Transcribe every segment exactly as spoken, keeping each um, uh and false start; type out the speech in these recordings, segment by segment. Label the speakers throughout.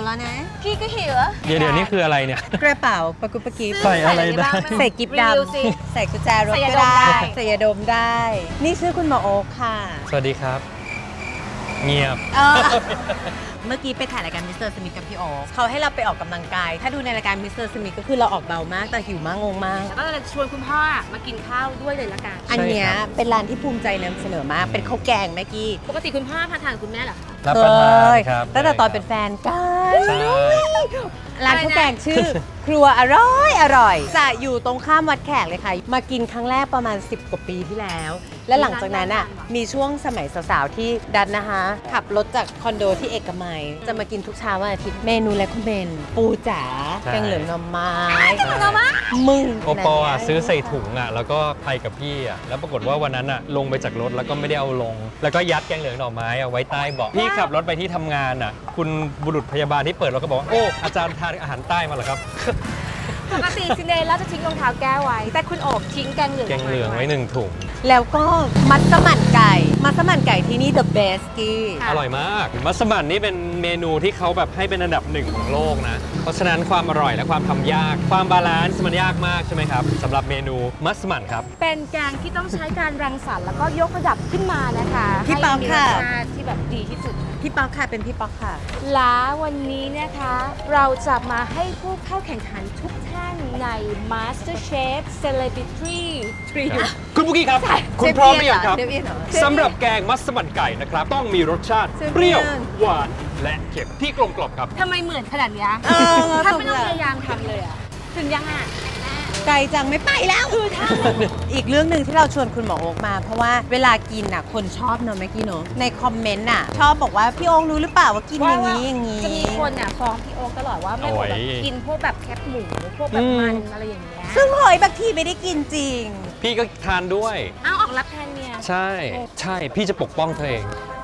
Speaker 1: แล้วนะ
Speaker 2: พี่ก็หิว
Speaker 3: เดี๋ยวเดี๋ยวนี่คืออะไรเนี่ย
Speaker 1: กระเป๋าปะกุปะกิบ
Speaker 3: ใส่อะไรได้
Speaker 1: ใส่กิฟต์ด
Speaker 2: รีวิวสิ
Speaker 1: ำใส่กุญแจรถ
Speaker 2: ใส่ยา
Speaker 1: ก็
Speaker 2: ดม
Speaker 1: ได้
Speaker 2: ได้
Speaker 1: ใส่ยาดมได้ นี่ชื่อคุณหมอโอ๊คค่ะ
Speaker 3: สวัสดีครับ เงียบ
Speaker 1: เออเมื่อกี้ไปถ่ายรายการมิสเตอร์สมิธกับพี่โอ๊คเขาให้เราไปออกกำลังกาย ถ้าดูในรายการมิสเตอร์สมิธก็คือเราออกเบามากแต่หิวมากงงมาก
Speaker 2: แล้วก็จะชวนคุณพ่อมากินข้าวด้วยเลยละกัน
Speaker 1: อันเนี้ย
Speaker 3: ใช่ครับ
Speaker 1: เป็นร้านที่ภูมิใจนำเสนอมาก เป็นข้าวแกงแม่กี้
Speaker 2: ปกติคุณพ่อพาทานกับคุณแม่เหรอคะ
Speaker 3: รับประทานครับ
Speaker 1: ตั้งแต่ตอนเป็นแฟนกัน
Speaker 3: ใช่
Speaker 1: ร้านข้าวแกงชื่อ ครัวอร่อยอร่อย จะอยู่ตรงข้ามวัดแขกเลยค่ะ มากินครั้งแรกประมาณ สิบ กว่าปีที่แล้ว และหลังจากนั้นอ่ะมีช่วงสมัยสาวๆที่ดันนะคะ ขับรถจากคอนโดที่เอกมัย จะมากินทุกเช้าวันอาทิตย์เมนูและคุณเมนปูจ๋า
Speaker 3: ใช่
Speaker 1: แกงเหลืองหน่อไม้
Speaker 3: ใช่
Speaker 1: มึง
Speaker 3: โอปออ่ะซื้อใส่ถุงอ่ะแล้วก็ไปกับพี่อ่ะแล้วปรากฏว่าวันนั้นอ่ะลงไปจากรถแล้วก็ไม่ได้เอาลง แล้วก็ยัดแกงเหลืองหน่อไม้อ่ะไว้ใต้เบาะพี่ขับรถไปที่ทำงานอ่ะคุณบุรุษพยาบาลที่เปิดรถก็บอกว่าโอ้อาจารย์ทานอาหารใต้มาเหรอครับ
Speaker 2: ปกติซินเดอเรลล่าจะทิ้งรองเท้าแก้วไว้ แต่คุณโอบทิ้งแกงเหลือง
Speaker 3: แกงเหลืองไว้หนึ่งถุง
Speaker 1: แล้วก็มัสมั่นไก่ มัสมั่นไก่ที่นี่ the best กี้
Speaker 3: อร่อยมากมัสมั่นนี่เป็นเมนูที่เขาแบบให้เป็นอันดับหนึ่งของโลกนะ เพราะฉะนั้นความอร่อยและความทำยาก ความบาลานซ์มันยากมากใช่ไหมครับสำหรับเมนูมัสมั่นครับ
Speaker 2: เป็นแกงที่ต้องใช้การรังสรรค์แล้วก็ยกระดับขึ้นมานะคะ
Speaker 1: พี่ป๊อกค่ะ
Speaker 2: ให้มีรสชาติที่แบบดีที่สุด
Speaker 1: พี่ป๊อกค่ะเป็นพี่ป๊อกค่ะ
Speaker 2: และวันนี้นะคะ เราจะมาให้ผู้เข้าแข่งขันทุกท่านใน MasterChef Celebrity Trio
Speaker 3: คุณบุกี้ครับ คุณพร้อมหรือยังครับ
Speaker 1: เชฟเอียนเหรอ
Speaker 3: สำหรับแกงมัสมั่นไก่นะครับ ต้องมีรสชาติ
Speaker 1: เชฟเอียน
Speaker 3: เปรี้ยว หวาน และเค็มที่กลมกล่อมครับ
Speaker 2: ทำไมเหมือนขนาดเนี้ย
Speaker 1: เออ
Speaker 2: ถ้าไม่ต้อง
Speaker 1: ตรง
Speaker 2: พ
Speaker 1: เลย
Speaker 2: ยายามทำเลยอ่ะ ถึงยังอ่ะ
Speaker 1: ไกลจังไม่ไปแล้วคือถ้าอีกเรื่องหนึ่งที่เราชวนคุณหมอโอ๊กมา เพราะว่าเวลากินน่ะคนชอบเนอะเมื่อกี้เนอะในคอมเมนต์น่ะ ชอบบอกว่าพี่โอ๊กรู้หรือเปล่าว่ากินอย่างนี้อย่างนี้
Speaker 2: จะมีคนอ่ะฟ้องพี่โอ๊คตลอดว่าไม่ควรแบบ
Speaker 3: โอ้ย
Speaker 2: กินพวกแบบแคบหมูพวกแบบมันอะไรอย่างเงี้ย
Speaker 1: ซึ่งหอยบางทีไม่ได้กินจริง
Speaker 3: พี่ก็ทานด้วย
Speaker 2: เอาออกรับแทนเมีย
Speaker 3: ใช่ ใช่ พี่จะปกป้องเธอเอง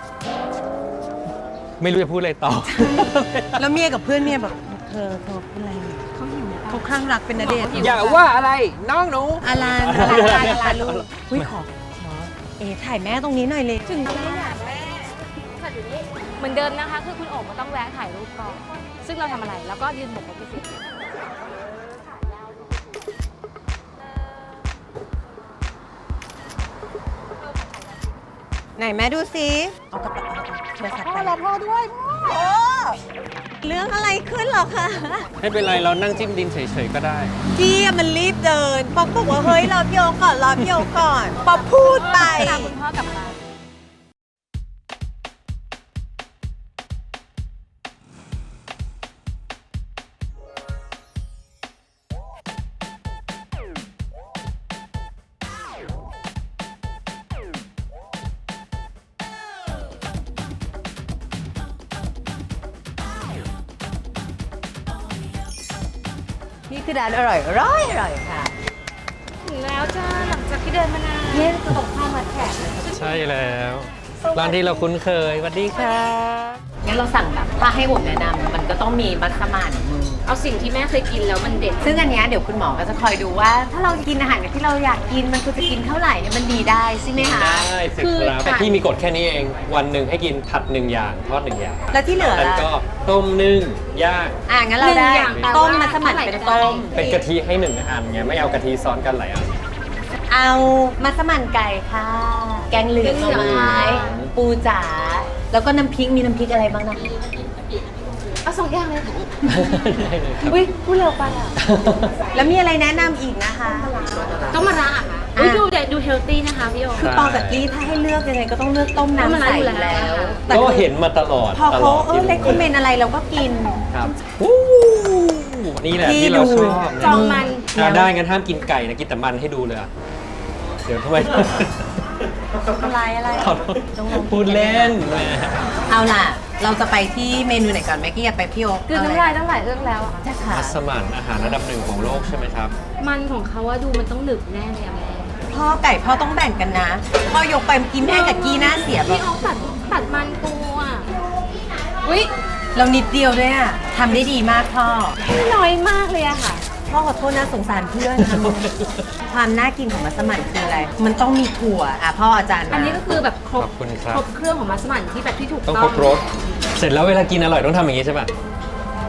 Speaker 3: ไม่รู้จะพูดอะไรต่อ
Speaker 1: แล้วเมียกับเพื่อนเมียแบบเธอเธอพูดอะไร
Speaker 2: เขาหิว
Speaker 1: เขาคลั่งรักเป็นนาเดชน์
Speaker 3: อย่าว่าอะไรน้องหนู
Speaker 1: อาลานอาลานอาลานลูกอุ้ยขอขอเอ๋ถ่ายแม่ตรงนี้หน่อยเลย
Speaker 2: ถึงแม่อยากแม่ค่ะอยู่นี่เหมือนเดิมนะคะ คือคุณโอ๋ก็ต้องแวะถ่ายรูปก่อนซึ่งเราทำอะไรแล้วก็ยืนบกรถไปสิ
Speaker 1: ไหนแม่ดูสิเอากระเป๋าเอาโทรศัพท์
Speaker 2: พ่
Speaker 1: ไป
Speaker 2: อรอพ่อด้วยพ่อ
Speaker 1: โอ้เรื่องอะไรขึ้นหรอคะ
Speaker 3: ไม่เป็นไรเรานั่งจิ้มดินเฉยๆก็ได้
Speaker 1: กี้อะมันรีบเดินป๊อกบอกว่าเฮ้ยรอพี่โอก่อนรอพี่โอก่อนป๊อกพูดไป
Speaker 2: ตามคุณพ่อกลับมา
Speaker 1: นี่คือร้านอร่อยอร่อยอร่อยค่ะ
Speaker 2: ถึงแล้วจ้าหลังจากที่เดินมานาน
Speaker 1: เนี่ยคือตรงข้ามวัดแขกเลย
Speaker 3: ใช่แล้ว ร้านที่เราคุ้นเคยสวัสดีค่ะ
Speaker 1: งั้นเราสั่งแบบถ้าให้ผมแนะนำมันก็ต้องมีมัสมั่น
Speaker 2: เอาสิ่งที่แม่เคยกินแล้วมันเด็ด
Speaker 1: ซึ่งอันเนี้ยเดี๋ยวคุณหมอก็จะคอยดูว่า ถ้าเรากินอาหารที่เราอยากกินมันควรจะกินเท่าไหร่ให้มันดีได้ใช่ไหมคะ
Speaker 3: ได้สิครับแต่พี่มีกฎแค่นี้เอง วันหนึ่งให้กินผัดหนึ่งอย่างทอดหนึ่งอย่าง
Speaker 1: แล้วที่เหลือ
Speaker 3: แล้ว
Speaker 1: ล่ะ
Speaker 3: ก็ต้มนึ่งย่าง
Speaker 1: อ่ะงั้นเราได้
Speaker 2: หนึ่งอย่างแปลว่า
Speaker 1: ต้มมัสมั่นเป็นต้ม
Speaker 3: เป็นกะทิให้หนึ่งอันไงไม่เอากะทิซ้อนกันหลายอัน
Speaker 1: เอามัสมั่นไก่ค่ะ แกงเหลืองหน่อไม้ปูจ๋าแล้วก็น้ำพริกมีน้ำพริกอะไรบ้างนะ
Speaker 2: เอาสองอย่างเลย
Speaker 3: ได้เลยครับ
Speaker 2: อุ้ยพูดเร็วไปอ่ะ
Speaker 1: แล้วมีอะไรแนะนำอีกนะคะ
Speaker 2: ต้องมาระอ่ะคะอุ้ยดูเด็ดดูเฮลตี้นะคะพี่โอ
Speaker 1: คือปอกับกี้ถ้าให้เลือกยังไงก็ต้องเลือกต้มน้ำใสอยู่แล้วแต่
Speaker 3: ก็เห็นมาตลอด
Speaker 1: พอ
Speaker 3: ต
Speaker 1: เขา
Speaker 3: ลอด
Speaker 1: เออเล็กคอมเมนต์อะไรเราก็กิน
Speaker 3: ครับอู้นี่แหละที่เราชอบ
Speaker 2: จองมัน
Speaker 3: อ่ะได้งั้นห้ามกินไก่นะกินแต่มันให้ดูเลยอ่ะเดี๋ยวทำไม
Speaker 1: อะไรอะไร
Speaker 3: ขอโทษพูดเล่นแหม
Speaker 1: เอาล่ะ เราจะไปที่เมนูไหนก่อนแม็กกี้อยากไปพี่โอ๊ค
Speaker 2: คือน้ำลายตั้งหลายเรื่องแล้วอะ
Speaker 1: ใช่ค่ะ
Speaker 3: มัสมั่นอาหารระดับหนึ่งของโลกใช่ไหมครับ
Speaker 2: มันของเขาว่าดูมันต้องหนึบแน่เลยอะแม่
Speaker 1: พ่อไก่พ่อต้องแบ่งกันนะพ่อยกไปกินแม่กับกี้หน้าเสียแบ
Speaker 2: พี่
Speaker 1: บ
Speaker 2: โอ๊คตัดตัดมันปูอ่ะอุ้ย
Speaker 1: เรานิดเดียวด้วยอะทำได้ดีมากพ่อ
Speaker 2: น้อยมากเลยอะค่ะ
Speaker 1: พ่อขอโทษนะสงสารเพื่อน ความน่ากินของมัสมั่นคืออะไร มันต้องมีถั่วอ่ะพ่ออาจารย์
Speaker 2: อันนี้ก็คือแบบครบ
Speaker 3: ขอบคุณครับ
Speaker 2: ครบเครื่องของมัสมั่นที่แบบที่ถูก
Speaker 3: ต้อง
Speaker 2: ต้อง
Speaker 3: ครบรสเสร็จแล้วเวลากินอร่อยต้องทำอย่างนี้ใช่ป่ะ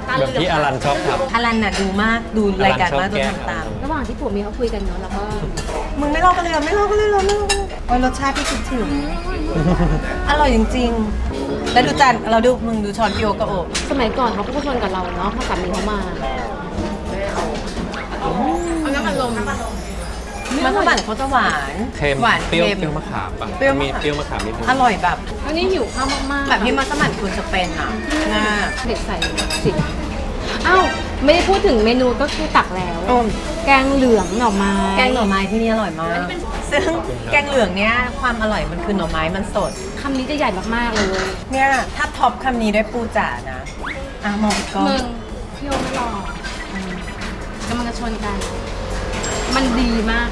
Speaker 2: ตาเห
Speaker 3: แบ
Speaker 2: ลื
Speaker 3: บ
Speaker 2: อก
Speaker 3: ที่อลันชอบท
Speaker 1: อลันน่ะดูมากดูรายการมากจนทำตาม
Speaker 2: ระหว่างที่ผัวเมียเขาคุยกันเนาะแล้วก็
Speaker 1: มึงไม่ลอกกันเลยเหรอไม่ลอกกันเลยเหรอไม่ลอกกันเลยโอ้ยรสชาติที่คิดถึงอร่อยจริงๆ แล้วดูจานเราดูมึงดูช้อนพี่โอกับโอบ
Speaker 2: สมัยก่อนเขาก็พูดชวนกับเราเนาะพอสามีเขามาเอาน้ำมันลม
Speaker 1: มันฝรั่งเขาจะหวาน
Speaker 3: ำเค็ม
Speaker 1: หวาน
Speaker 3: เปรี้ยว
Speaker 1: เค็ม
Speaker 3: เปรี้ยวมะขามป่ะ
Speaker 1: เปรี้ยวมะ
Speaker 3: มี
Speaker 1: ขาม
Speaker 3: เปรี้ยวมะขามนิดนึง
Speaker 1: อร่อยแบบ
Speaker 2: อันนี้หิวข้าวมากๆ
Speaker 1: แบบที่มัสมั่นคุณจะเป็นอ่ะน่า
Speaker 2: เด็กใส่สิอ้าวไม่ได้พูดถึงเมนูก็คือตักแล้ว
Speaker 1: อืม
Speaker 2: แกงเหลืองหน่อไม้
Speaker 1: แกงหน่อไม้ที่นี่อร่อยมาก ซึ่งแกงเหลืองเนี้ยความอร่อยมันคือหน่อไม้มันสด
Speaker 2: คำนี้จะใหญ่มากๆเลย
Speaker 1: เนี่ยถ้าท็อปคำนี้ด้วยปูจ๋านะอ่ะมองอีกกล้อง
Speaker 2: มึงพี่โอไม่รออืมกำลังจะชนกัน มันดีมาก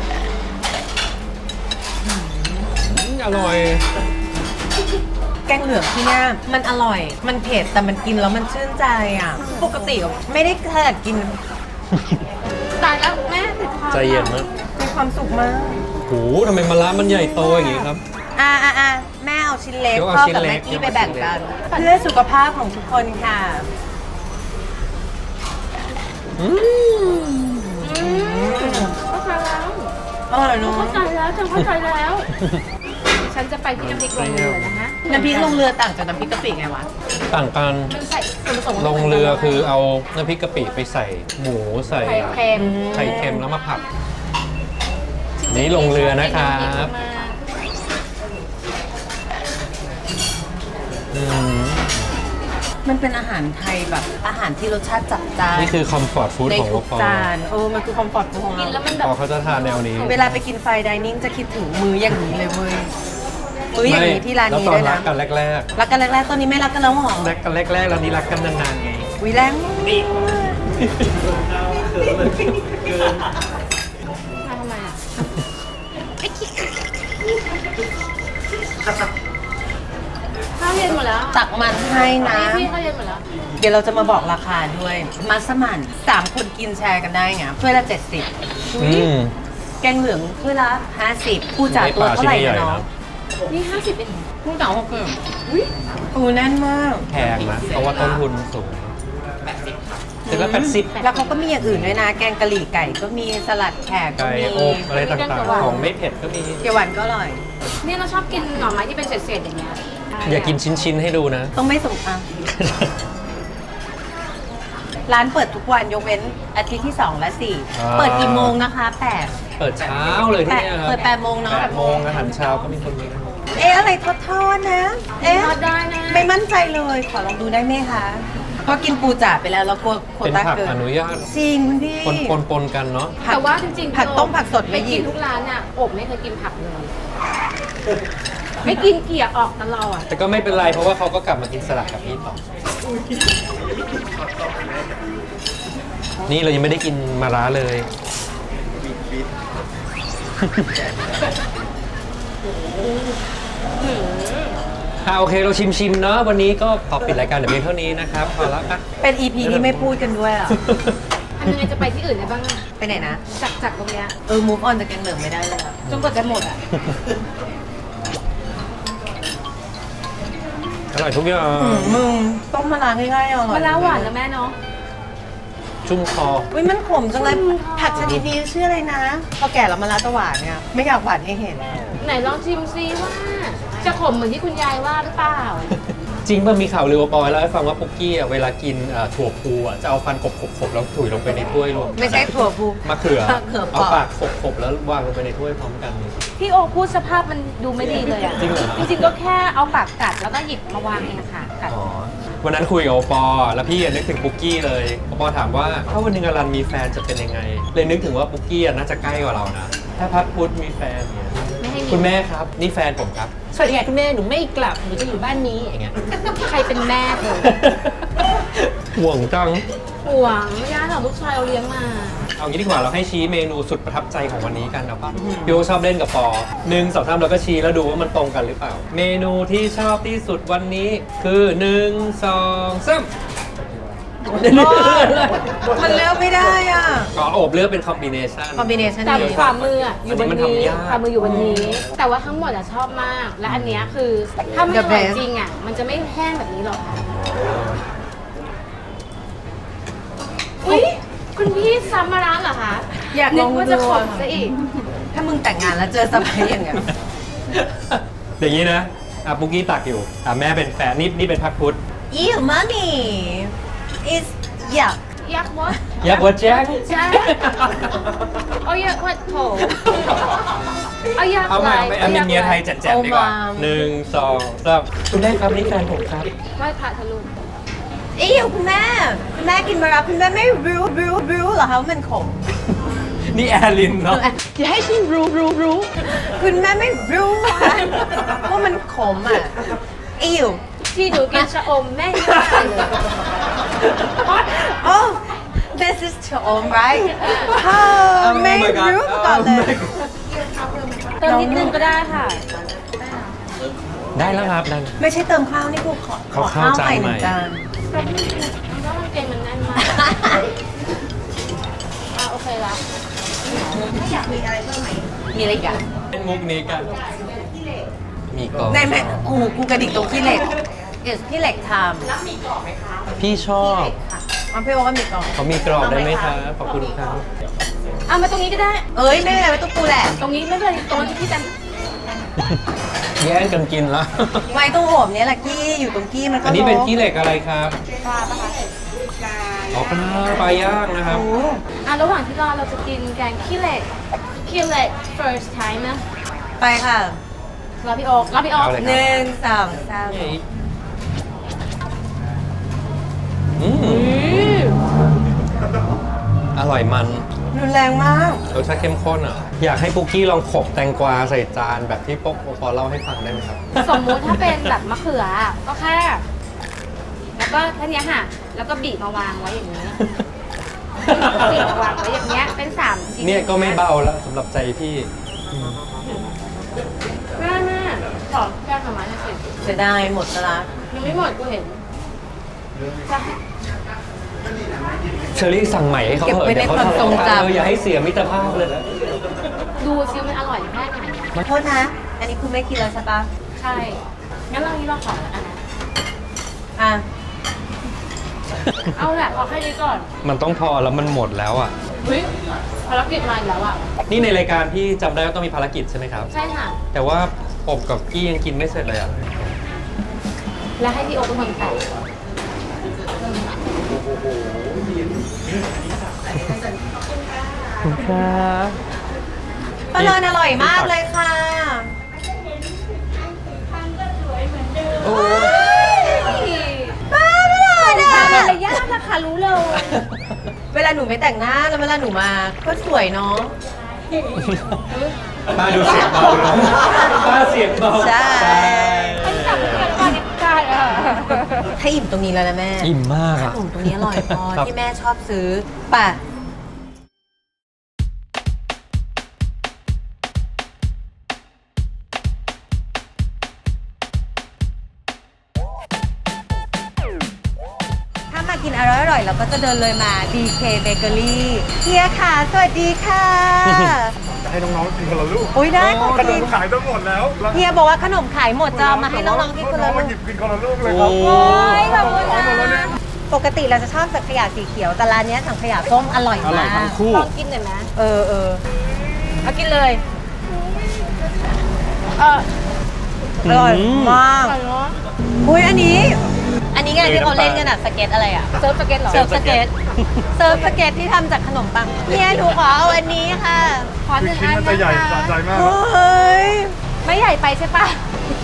Speaker 3: อร่อย
Speaker 1: แกงเหลืองที่เนี่ยมันอร่อย มันเผ็ดแต่มันกินแล้วมันชื่นใจอ่ะ ปกติไม่ได้ขนาดกิน
Speaker 2: ตายแล้วแม่ติดคอ
Speaker 3: ใจเย็นนะ
Speaker 1: มีความสุขมาก
Speaker 3: โหทำไมมะระมันใหญ่โตอย่างงี้ครับ
Speaker 1: อ่ะอ่ะอ่ะแม่เอาชิ้นเล็ก
Speaker 3: เดี๋ยวเอา
Speaker 1: พ่อ
Speaker 3: ชิ้น
Speaker 1: กับ
Speaker 3: เล็
Speaker 1: แม่
Speaker 3: ก
Speaker 1: กี้
Speaker 3: เดี๋
Speaker 1: ไป
Speaker 3: ยวเอา
Speaker 1: แบ่งกัน
Speaker 3: ชิ้นเล็ก
Speaker 1: เพื่อสุขภาพของทุกคนค่ะ
Speaker 3: อืม
Speaker 2: เข้าใจแล้ว
Speaker 1: อร่อยเนอะ
Speaker 2: เข้าใจแล้วฉันเข้าใจแล้ว ฉันจะไปที่น้ำพริกลงเรือนะคะ
Speaker 1: น้ำพริกลงเรือต่างจากน้ำพริกกะปิไงวะ
Speaker 3: ต่างกัน
Speaker 2: มันใส่ส่วนผสม
Speaker 3: ลงเรือคือเอาน้ำพริกกะปิไปใส่หมูใส่
Speaker 2: ไข่เค็ม
Speaker 3: ไข่เค็มแล้วมาผัด นี่ลงเรือนะครับ อืม
Speaker 1: มันเป็นอาหารไทยแบบอาหารที่รสชาติจัดจ้าน
Speaker 3: นี่คือคอมฟอร์ตฟู้ด
Speaker 1: ใน
Speaker 3: ของ
Speaker 1: ทุ
Speaker 3: ว
Speaker 1: ก
Speaker 3: ปอ
Speaker 1: จานโอ้มันคือคอมฟอร์ตของ
Speaker 2: กิ
Speaker 1: เรา
Speaker 2: นแล้วมันแบ
Speaker 3: ป
Speaker 2: บ
Speaker 3: อเขาจะทานแนวนี้
Speaker 1: เวลาไปกินไฟน์ไดนิ่งจะคิดถึงมื้ออย่างนี้เลยเว้ยมื้ออย่างนี้ที่ร้านนี้
Speaker 3: แล้วตอ
Speaker 1: ด้วย
Speaker 3: นรั
Speaker 1: นะ
Speaker 3: กกันแรก
Speaker 1: รักกันแรกๆตอนนี้ไม่รักกันแล้วหรอ
Speaker 3: ๆรักกันแรกๆแล้วนี้รักกันนานๆไง
Speaker 1: วิแรงมาก
Speaker 2: ทำไมอ่ะข้าวเย็นหมดแล้ว
Speaker 1: ตักมันให้นะ
Speaker 2: พี่ข้าวเย็นหมดแล้ว
Speaker 1: เดี๋ยวเราจะมาบอกราคาด้วยมัสมั่นสามคนกินแชร์กันได้ไงถ้วยละเจ็ดสิบ
Speaker 3: อืม
Speaker 1: แกงเหลืองถ้วยละห้าสิบผู้จ่าตัวเท่าไหร่นะน้อง
Speaker 2: นี่ห้าสิบเอง
Speaker 1: ผู้จ่าหกสิบอุ้ยปูแน่นมาก
Speaker 3: แพงนะ เพราะว่าต้นทุนสูงเสร็จแล้วแปดสิบ
Speaker 1: แล้วเขาก็มีอย่างอื่นด้วยนะ แกงกะหรี่ไก่ก็มีสลัดแขกก็
Speaker 3: ไก่
Speaker 1: มี
Speaker 3: อบอะไรต่างๆ ของไม่เผ็ดก็มี
Speaker 1: เกี๊ยวหวานก็อร่อย
Speaker 2: เนี่ยเราชอบกินหน่อไม้ที่เป็นเศษๆอย่างเงี้ย
Speaker 3: อย่ากินชิ้น ๆ ให้ดูนะ
Speaker 1: ต้องไม่สงอ่ะร้านเปิดทุกวันยกเว้นอาทิตย์ที่สองและสี่
Speaker 3: อ่า
Speaker 1: เปิดกี่โมงนะคะแปด
Speaker 3: เปิดเช้าเลยที่
Speaker 1: แปด
Speaker 3: เนี่ยครับ
Speaker 1: เปิดแปดโมงเนาะ
Speaker 3: แปดโมงอาหารเช้าก็มีคนมีนะ
Speaker 1: เอ๊ะอะไรทอดทอดๆนะ เอ๊ะ
Speaker 2: ทอดได้นะ
Speaker 1: ไม่มั่นใจเลย ขอลองดูได้ไหมคะเพราะกินปูจ๋าไปแล้วแล้วกลัวโคว
Speaker 3: เป็น
Speaker 1: ต้า
Speaker 3: ผัก
Speaker 1: เกิน
Speaker 3: อนุญาต
Speaker 1: จริงคุณพี่
Speaker 3: ปนปนปนกันเนาะ
Speaker 1: ผัก
Speaker 2: แต่ว่าจริงๆ
Speaker 1: ผักต้มผักสดไม่
Speaker 2: ไม่
Speaker 1: หยิ
Speaker 2: กิน
Speaker 1: บ
Speaker 2: ทุกร้านอ่ะอบไม่เคยกินผักเลย ไม่กินเกลี่ยออกตลอด
Speaker 3: แต่ก็ไม่เป็นไรเพราะว่าเขาก็กลับมากินสลัดกับพี่ต่อ นี่เรายังไม่ได้กินมาร้าเลย อ่ะโอเคเราชิมชิมๆเนาะวันนี้ก็ขอปิดรายการเดี๋ยวเพียงเท่านี้นะครับพอแล้วอ่ะ
Speaker 1: เป็น อี พี ที่ไม่พูดกันด้วยอ่ะ
Speaker 2: ทำยังไงจะไปที่อื่นได้บ้างอะ
Speaker 1: ไปไหนนะ
Speaker 2: จากจากตรงเนี้ย
Speaker 1: เออ move on จากแกงเหลืองไม่ได้เลยอะ
Speaker 2: จนกว่าจะหมดอ่ะ
Speaker 3: อร่อยทุกอย่าง
Speaker 1: อืมมึงต้มมะนาวง่ายๆอร่อย
Speaker 2: มะนาวหวานนะแม่เนาะ
Speaker 3: ชุ่มคอ
Speaker 1: อุ้ยมันขมจังเลยผักชนิดนี้ชื่ออะไรนะ พอแก่แล้วมะนาวจะหวานเนี่ย ไม่อยากหวานให้เห็น
Speaker 2: ไหนลองชิมซิว่า จะขมเหมือนที่คุณยายว่าหรือเปล่า
Speaker 3: จริงป่ะมีข่าวลือว่าปอยเล่าให้ฟังว่าปุ๊กกี้อ่ะเวลากินเอ่อถั่วพูอ่ะจะเอาฟันกบๆๆแล้วถุยลงไปในถ้วยรวม
Speaker 1: ไม่ใช่ถั่วพู
Speaker 3: มะเขือ
Speaker 1: มะเขือเป
Speaker 3: เอา
Speaker 1: ราะ
Speaker 3: ปากขบๆแล้ววางลงไปในถ้วยพร้อมกัน
Speaker 2: พี่โอพูดสภาพมันดูไม่ดีเลยอ่ะ
Speaker 3: จริงเหรอ
Speaker 2: จริงๆก็แค่เอาปากกัดแล้วก็หยิบมาวางเองค่ะกัด
Speaker 3: อ๋อวันนั้นคุยกับโอปอแล้วพี่นึกถึงปุ๊กกี้เลยโอปอถามว่าถ้าวันหนึงอรันมีแฟนจะเป็นยังไง เลยนึกถึงว่าปุ๊กกี้อะน่าจะใกล้กว่าเรานะถ้าพัดพุธมีแฟนเนี่ย
Speaker 2: ไม่ให้มี
Speaker 3: คุณแม่ครับนี่แฟนผมครับสวัสดีค่ะคุณแม่หนูไม่กลับหนูจะอยู่บ้านนี้อย่างเงี้ย
Speaker 2: ใครเป็นแม่เธอ
Speaker 3: ห่วงจัง
Speaker 2: ห่วงไม่ได้หรอกลูกชายเราเลี้ยงมา
Speaker 3: เอางี้ดีกว่าเราให้ชี้เมนูสุดประทับใจของวันนี้กันนะป่ะพี่โอชอบเล่นกับปอหนึ่งสองสามแล้วก็ชี้แล้วดูว่ามันตรงกันหรือเปล่า เมนูที่ชอบที่สุดวันนี้คือหนึ่งสองสาม
Speaker 1: มันเลือกไม่ได้อ่ะ
Speaker 3: อ๋อโอบเลือกเป็นคอมบิเนชัน
Speaker 1: คอมบิเนชัน
Speaker 2: แต่
Speaker 1: นี้
Speaker 2: ฝ่ามืออะอยู่บน
Speaker 3: อันนี้มัน
Speaker 2: นี้
Speaker 3: ทำยาก
Speaker 2: ฝ่ามืออยู่บนนี้ แต่ว่าทั้งหมดอะชอบมาก และอันเนี้ยคือถ้าไม่อร่อยจริงอะมันจะไม่แห้งแบบนี้หรอกค่ะพี่ซัมมาร้านเหรอคะ
Speaker 1: อยากลอง
Speaker 2: นึว่า
Speaker 1: ดู
Speaker 2: จะขมซะอีก
Speaker 1: ถ้ามึงแต่งงานแล้วเจอสมัยอย่างเงี้ย
Speaker 3: อย่างนี้นะอ่ะปุกกี้ตักอยู่อ่ะแม่เป็นแฟนนี่นี่เป็นพักพุทธ
Speaker 1: Ew mommy is yuck
Speaker 2: ยักษ์วะ
Speaker 3: อยากวัดแจ็ค
Speaker 2: ใช่เอายักษ์วัดโถเอายักษ์
Speaker 3: เอาใหม่
Speaker 2: ล
Speaker 3: เอาเมียเมียไทยแจ๋วๆดีกว่า
Speaker 1: เอามา
Speaker 3: หนึ่งสองสามคุณแม่ครับนี่แฟนผมครับ
Speaker 2: ไหว้พระทะลุ
Speaker 1: อีวคุณแม่คุณแม่กินมารับคุณแม่ไม่รู้รู้รู้เหรอคะว่ามันขม
Speaker 3: นี่แอร์ลินเนาะ
Speaker 1: อย่าให้ฉันรู้รู้รู้คุณแม่ไม่รู้ค่ะว่ามันขมอ่ะอีว
Speaker 2: ที่หนูกินชะอมแม่ยังไม่ได้เลย
Speaker 1: oh this is ชะอม right อ๋อไม่รู้มาก่อนเลย
Speaker 2: เติมนิดนึงก็ได้ค่ะ
Speaker 3: ได้แล้วครับนั่น
Speaker 1: ไม่ใช่เติมข้าวนี่กูขอขอ
Speaker 3: ข้า
Speaker 1: ข้าว ว
Speaker 3: จาน
Speaker 1: ใหม่ห
Speaker 3: ใหม่
Speaker 1: นึ่งจาน
Speaker 2: แล้วมันเกงมันแน่นมากอ่ะโอเคละ
Speaker 1: มีอะไรอีกอ่ะ
Speaker 3: เป็นมุกนี้กัน มีกรอบ
Speaker 1: ในแม่โอ้โหกูกระดิกตรงขี้เหล็กเอสพี่เหล็กท
Speaker 3: พี่ชอบ
Speaker 1: ำอ๋อพี่บอกว่ามีกล่อง
Speaker 3: เขามีกรอบได้ไหมครับขอบคุณครับ
Speaker 2: เอามาตรงนี้ก็ได้
Speaker 1: เอ้ยไม่เป็นไรไม่ต้องกูแหละ
Speaker 2: ตรงนี้ไม่เป็นไรตรงนี้พี่แตม
Speaker 3: แย่งกันกินละ
Speaker 1: ไว้ตรงโอบเนี้ยแหละกี้อยู่ตรงกี้มันก็
Speaker 3: อันนี้เป็น
Speaker 1: ลง
Speaker 3: ขี้เหล็กอะไรครับ
Speaker 2: ปลาปะคะ
Speaker 3: อ๋อปลาปลาย่างนะครับ
Speaker 1: โอ้
Speaker 2: อ่ะระหว่างที่รอเราจะกินแกงขี้เหล็กขี้เหล็ก first time นะ
Speaker 1: ไปค่ะ
Speaker 2: รอพี่โอ๊ครอพี่โอ๊ค
Speaker 3: เอาเลย
Speaker 1: หนึ่งสองสาม
Speaker 3: อืมอร่อยมัน
Speaker 1: รุนแรงมาก
Speaker 3: รสชาติเข้มข้นอ่ะ อยากให้ปุกกี้ลองขบแตงกวาใส่จานแบบที่ป๊กพอเล่าให้ฟังได้ไหมครับ
Speaker 2: สมมุติถ้าเป็นแบบมะเขืออ่ะก็แค่ แล้วก็แค่เนี้ยค่ะ แล้วก็บีบมาวางไว้อย่างนี้บีบมาวางไว้อย่างเงี้ยเป็นสามชิ้น
Speaker 3: เนี่ยก็ไม่เบาแล้วสำหรับใจพี่
Speaker 2: แม่แม่ขอแก้ทำไมหน่อยสิ
Speaker 1: เสียดายหมดซะละ
Speaker 2: ยังไม่หมดกูเห็นจะให้
Speaker 3: เชอรี่สั่งใหม่ให้เขาเถอะเดี๋ยวเขาทะเลาะกันเอออย่าให้เสียมิตรภาพเลย
Speaker 2: ดูซิมันอร่อยแค่ไหน
Speaker 1: โทษนะ อันนี้คุณไม่กินแล้วใช่ปะ
Speaker 2: ใช่ งั้นเรานี้เราขออันนั้น
Speaker 1: อ่ะ
Speaker 2: เอาแหละขอแค่นี้ก่อน
Speaker 3: มันต้องพอแล้วมันหมดแล้วอ่ะ
Speaker 2: เฮ้ยภารกิจมาอีกแล้วอ่ะ
Speaker 3: นี่ในรายการพี่จำได้ว่าต้องมีภารกิจใช่ไหมครับ
Speaker 2: ใช่ค่ะ
Speaker 3: แต่ว่าอบกับกี้ยังกินไม่เสร็จเลยอ่ะ
Speaker 2: และให้พี่โอ๊คเป็นคนแต่ง
Speaker 3: ครับ
Speaker 1: ปลาเลินอร่อยมากเลยค่ะ
Speaker 3: โอ้
Speaker 1: ป้าไม่หล่อนะ
Speaker 2: มารยาทนะคะรู้เลย
Speaker 1: เวลาหนูไม่แต่งหน้าแล้วเวลาหนูมาก็สวยเนาะ
Speaker 3: ป้าดูเสียงเบาเนอะป้าเสียงเบา
Speaker 1: ใช่
Speaker 2: อันนี้จับมือกันก่อนเนี่ยใช่อ่ะ
Speaker 1: ให้อิ่มตรงนี้แล้วนะแม่
Speaker 3: อิ่มมากอ่ะ
Speaker 1: ขนมตรงนี้อร่อยพอ
Speaker 3: ครับ
Speaker 1: ที่แม่ชอบซื้อป่ะ ถ้ามากินอร่อยๆเราก็จะเดินเลยมา ดี เค Bakery เฮียค่ะ สวัสดีค่ะ
Speaker 4: ให้น้องๆกินคนละลูก
Speaker 1: อุ้ยได้ขอ
Speaker 4: ขน
Speaker 1: กิ
Speaker 4: ม
Speaker 1: น
Speaker 4: ขายทั้งหมดแล้วแล้ว
Speaker 1: เฮียบอกว่าขนมขายหมดจะเอามาให้น้องๆกินคนละ
Speaker 4: องๆ
Speaker 1: ลู
Speaker 4: มาก หยิบกินคนละลูกเลยค
Speaker 3: โอ้
Speaker 4: รับ
Speaker 1: โอ้ยขอบคุณ
Speaker 4: เอาหมดแล้วเนี่
Speaker 1: นะ
Speaker 4: ย
Speaker 1: ปกติเราจะชอบสังขยาสีเขียว แต่ร้านเนี้ยสังขยาส้มอร่อย
Speaker 3: อร่อ
Speaker 1: มาย
Speaker 3: ทั้
Speaker 1: ก
Speaker 3: งคู่
Speaker 2: ลองกินหน่อยไหม
Speaker 1: เออเออเอากินเลย
Speaker 2: เออ
Speaker 1: อร่อยมาก
Speaker 2: อร่อยเนาะ
Speaker 1: อุ้ยอันนี้ อันนี้ไงที่เขาเล่นกันอะสเก็ตอะไรอะ
Speaker 2: เซิร์ฟสเก็ตเหรอ
Speaker 1: เซิร์ฟสเก็ตเซิร์ฟสเก็ตที่ทำจากขนมปังเนี่ยหนูขอเอาอันนี้ค่ะ
Speaker 2: ขอห
Speaker 4: คือ
Speaker 2: นึ่ง
Speaker 4: ชิ้น
Speaker 2: อัน
Speaker 4: มันจะใหญ่
Speaker 2: นะ
Speaker 4: สะ
Speaker 2: คะ
Speaker 4: ใจมาก
Speaker 1: โอ้ย
Speaker 2: ไม่ใหญ่ไปใช่ปะ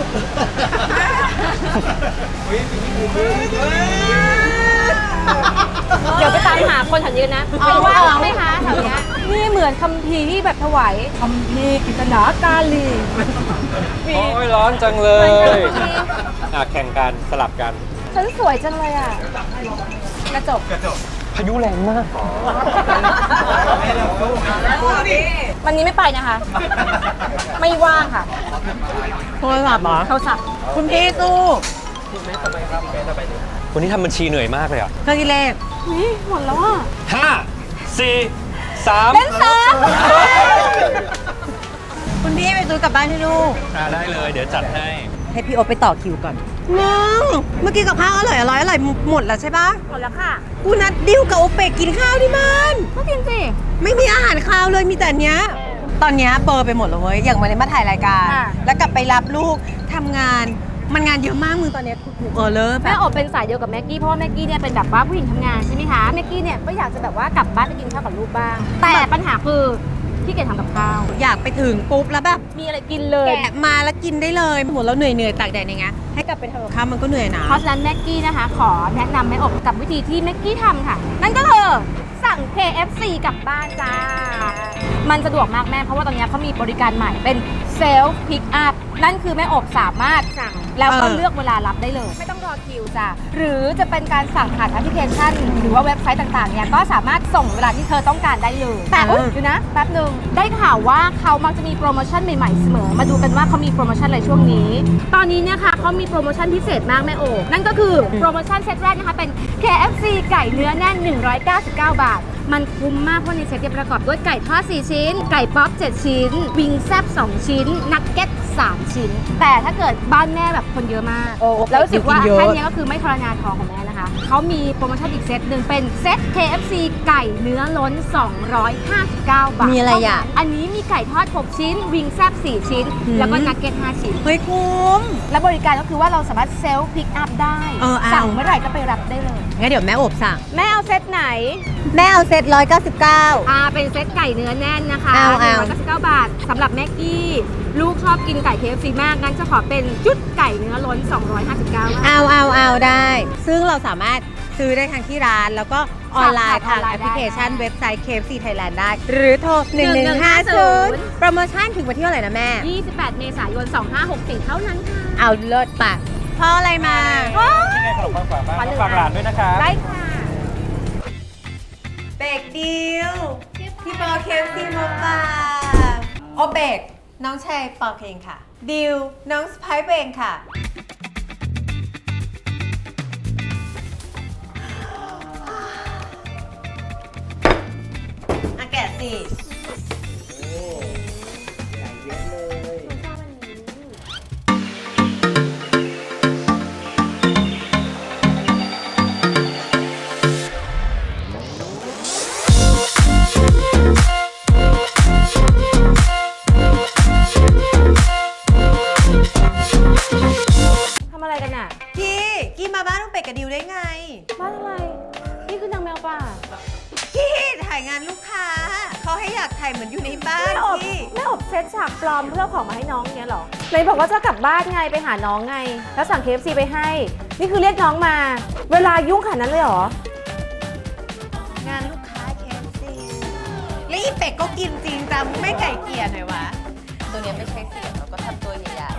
Speaker 2: เดี๋ยวไปตามหาคนแถวนี้นะเป็นว่างไหมคะแถวเนี้ยนี่เหมือนคัมภีร์ที่แบบถวายคัมภีร์กิตนากาลี
Speaker 3: โอ้ยร้อนจังเล
Speaker 2: เหมือน
Speaker 3: ย
Speaker 2: คัมภีร์
Speaker 3: อ่ะแข่งกันสลับกัน
Speaker 2: ฉันสวยจังเลยอ่ะ กระจก
Speaker 3: พายุแรงมาก
Speaker 2: วันนี้ไม่ไปนะคะ ไม่ว่างค่ะ
Speaker 1: โทรศัพท์เหรอ
Speaker 2: โทรศัพท์
Speaker 1: คุณพี่สู้
Speaker 3: วันนี้ทำบัญชีเหนื่อยมากเลยอ่ะ
Speaker 1: เครื่องคิดเลข
Speaker 2: นี่หมดแล้วอ่ะ
Speaker 3: ห้าสี่สาม
Speaker 2: เป็นสาม
Speaker 1: คุณพี่ไปซื้อกลับบ้านให้ลูก
Speaker 3: อ่าได้เลย เดี๋ยวจัดให้
Speaker 1: ให้พี่โอตไปต่อคิวก่อนมึงเมื่อกี้กับข้าวอร่อยอร่อยอร่อยหมดแล้วใช่ปะ
Speaker 2: หมดแล้วค่ะ
Speaker 1: กูนัดดิวกับโอเปกกินข้าวที่บ้าน
Speaker 2: ก็กินสิ
Speaker 1: ไม่มีอาหารข้าวเลยมีแต่เนี้ย ตอนเนี้ยเบลอร์ไปหมดเลยเว้ยอย่างวันนี้มาถ่ายรายการ
Speaker 2: ค่ะ
Speaker 1: แล้วกลับไปรับลูกทำงานมันงานเยอะมากมึงตอนเนี้ยกูเออเลอแบ
Speaker 2: แม่
Speaker 1: บ
Speaker 2: โอบเป็นสายเดียวกับแม็กกี้เพราะว่าแม็กกี้เนี่ยเป็นแบบว่าผู้หญิงทำงานใช่ไหมคะแม็กกี้เนี่ยก็อยากจะแบบว่ากลับบ้านไปกินข้าวกับลูกบ้าง แต่ปัญหาคือที่เกียจทำกับข้าว
Speaker 1: อยากไปถึงปุ๊บแล้วแบบ
Speaker 2: มีอะไรกินเลย
Speaker 1: แกะมาแล้วกินได้เลยหมดแล้วเหนื่อยเหนื่อยๆตากแดดอย่างเงี้ยให้กลับไปทำกับข้าวมันก็เหนื่อยนะ
Speaker 2: เพราะฉะนั้นแม็กกี้นะคะ ขอแนะนำแม่อบกับวิธีที่แม็กกี้ทำค่ะ นั่นก็คือสั่ง เค เอฟ ซี กลับบ้านจ้า มันสะดวกมากแม่ เพราะว่าตอนนี้เขามีบริการใหม่เป็นเซลฟ์พิกอัพนั่นคือแม่อบสามารถสั่งแล้วก็
Speaker 1: เออ
Speaker 2: เลือกเวลารับได้เลย ไม่ต้องรอคิวจ้ะหรือจะเป็นการสั่งผ่านแอปพลิเคชัน หรือว่าเว็บไซต์ต่างๆเนี่ยก็สามารถส่งเวลาที่เธอต้องการได้เลยแต่อุ๊ยดูนะแป๊บหนึ่งได้ข่าวว่าเขามักจะมีโปรโมชั่นใหม่ๆเสมอมาดูกันว่าเขามีโปรโมชั่นอะไรช่วงนี้ ตอนนี้เนี่ยค่ะเขามีโปรโมชั่นพิเศษมากแม่โอนั่นก็คือโปรโมชั่นเซตแรกนะคะเป็น เค เอฟ ซี ไก่เนื้อแน่น หนึ่งร้อยเก้าสิบเก้า บาท มันคุ้มมากเพราะในเซตเนี่ยประกอบด้วยไก่ทอดสี่ชิ้น ไก่ป๊อปเจ็ดชิ้น วิงแซบสองชิ้น นักเก็ตสามชิ้น แต่ถ้าเกิดบ้านแม่แบบคนเยอะมาก
Speaker 1: โอ้
Speaker 2: แล้วรู้สึกว่า
Speaker 1: กินเยอะ
Speaker 2: แค่เนี้ยก็คือไม่ทรมานท้องของแม่นะคะ เขามีโปรโมชั่นอีกเซตหนึ่งเป็นเซต เค เอฟ ซี ไก่เนื้อล้น สองร้อยห้าสิบเก้า บาท
Speaker 1: มีอะไรอ่ะ
Speaker 2: อันนี้มีไก่ทอดหกชิ้น วิงแซบสี่ชิ้น
Speaker 1: อืม
Speaker 2: แล้วก็นักเก็ตห้าชิ้น
Speaker 1: เฮ้ยคุ้ม
Speaker 2: และบริการก็คือว่าเราสามารถเซลฟ์พิกอัพได้
Speaker 1: เออเอา
Speaker 2: สั่งเมื่อไหร่ก็ไปรับได้เลย
Speaker 1: งั้นเดี๋ยวแม่อบสั่ง
Speaker 2: แม่เอาเซตไหน
Speaker 1: แม่เอาเซตร้อยเก้าสิบเก้า
Speaker 2: อ่าเป็นเซตไก่เนื้อแน่นนะคะ
Speaker 1: เอา
Speaker 2: หนึ่ง
Speaker 1: เอา
Speaker 2: ร้อยเก้าสิบเก้าบาทสำหรับแม็กกี้ลูกชอบกินไก่ เค เอฟ ซี มากงั้นจะขอเป็นชุดไก่เนื้อล้น สองร้อยห้าสิบเก้าบาท
Speaker 1: เอาเอาเอาได้ ซึ่งเราสามารถซื้อได้ทางที่ร้าน แล้วก็ออนไลน์
Speaker 2: สั่
Speaker 1: ทาง ง
Speaker 2: ผ่านออนไลน์
Speaker 1: แอปพลิเคชัน
Speaker 2: ได้
Speaker 1: เว็บไซต์ เค เอฟ ซี Thailand ได้ หรือโทร หนึ่งหนึ่งห้าศูนย์ โปรโมชั่นถึงวันที่เท่าไหร่นะแม่
Speaker 2: ยี่สิบแปดเมษายนสองห้าหกสี่เท่านั้นค่ะ
Speaker 1: เอาเลิศปะเพราะอะไรมา
Speaker 3: นี่ไงขนมปังฝาบ้าน
Speaker 2: ขอหนึ่ง
Speaker 3: ฝากหลานด้วยนะครับ
Speaker 2: ได้ค่ะ
Speaker 1: เบกดิวพี่ปอเคฟซีมาฝากโอเบกน้องชายปอเองค่ะ ดิวน้องสไปซ์เองค่ะ อาแกะสิ
Speaker 2: ทำอะไรกันอ่ะ
Speaker 1: กี้กี้มาบ้านน้องเป็ดกับดิวได้ไง
Speaker 2: บ้านอะไร นี่คือนางแมวป่า
Speaker 1: กี้ถ่ายงานลูกค้า เขาให้อยากถ่ายเหมือนอยู่ในบ้าน
Speaker 2: แม่อบ
Speaker 1: กี้
Speaker 2: แม่อบเซตฉากปลอมเพื่อของมาให้น้องเงี้ยเหรอไหนบอกว่าจะกลับบ้านไงไปหาน้องไง แล้วสั่ง เค เอฟ ซี ไปให้ นี่คือเรียกน้องมา เวลายุ่งขนาดนั้นเลยเหรอ
Speaker 1: งานลูกค้าเคฟซีแล้วอีเป็ดก็กินจริงจังไม่ไก่เกลียหน่อยวะ ตัวเนี้ยไม่ใช่เสียงเราก็ทำตัวใหญ่